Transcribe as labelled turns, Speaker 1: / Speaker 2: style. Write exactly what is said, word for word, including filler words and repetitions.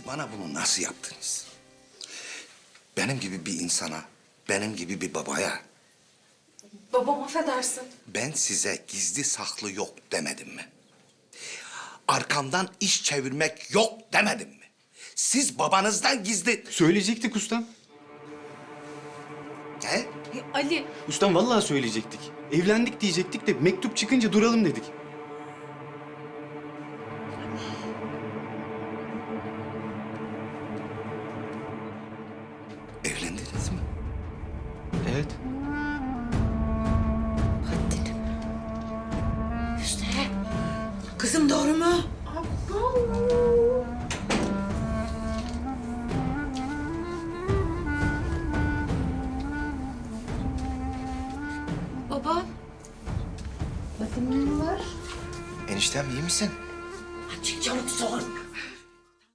Speaker 1: Siz bana bunu nasıl yaptınız? Benim gibi bir insana, benim gibi bir babaya
Speaker 2: Babam affedersin.
Speaker 1: ben size gizli saklı yok demedim mi? Arkamdan iş çevirmek yok demedim mi? Siz babanızdan gizli...
Speaker 3: Söyleyecektik ustam.
Speaker 1: He?
Speaker 2: Ya Ali,
Speaker 3: Ustam vallahi söyleyecektik. Evlendik diyecektik de mektup çıkınca duralım dedik.
Speaker 1: Evlendiniz mi?
Speaker 3: Evet.
Speaker 2: haddinim.
Speaker 4: Hüsnü. Kızım doğru mu?
Speaker 2: Baba.
Speaker 5: Eniştem iyi misin?